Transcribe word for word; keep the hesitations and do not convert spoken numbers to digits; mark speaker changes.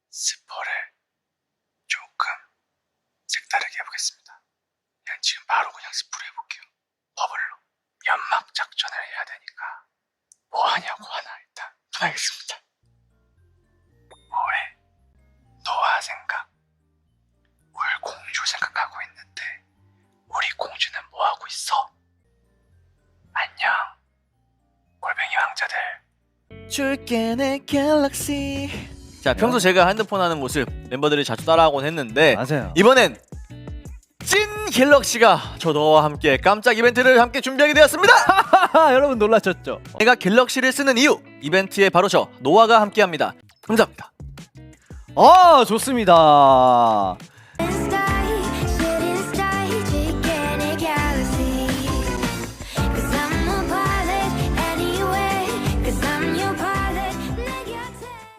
Speaker 1: 스포를 조금 색다르게 해보겠습니다. 그냥 지금 바로 그냥 스포를 해볼게요. 버블로 연막 작전을 해야 되니까 뭐 하냐고 하나 일단 알겠습니다. 뭐해? 노아 생각. 울 공주 생각하고 있는데 우리 공주는 뭐 하고 있어? 안녕 골뱅이 왕자들.
Speaker 2: 줄게 내 갤럭시. 자, 평소 제가 핸드폰 하는 모습 멤버들이 자주 따라하곤 했는데
Speaker 3: 맞아요.
Speaker 2: 이번엔 찐 갤럭시가 저 너와 함께 깜짝 이벤트를 함께 준비하게 되었습니다.
Speaker 3: 여러분 놀라셨죠?
Speaker 2: 제가 갤럭시를 쓰는 이유, 이벤트에 바로 저 노아가 함께합니다. 감사합니다.
Speaker 3: 아, 좋습니다.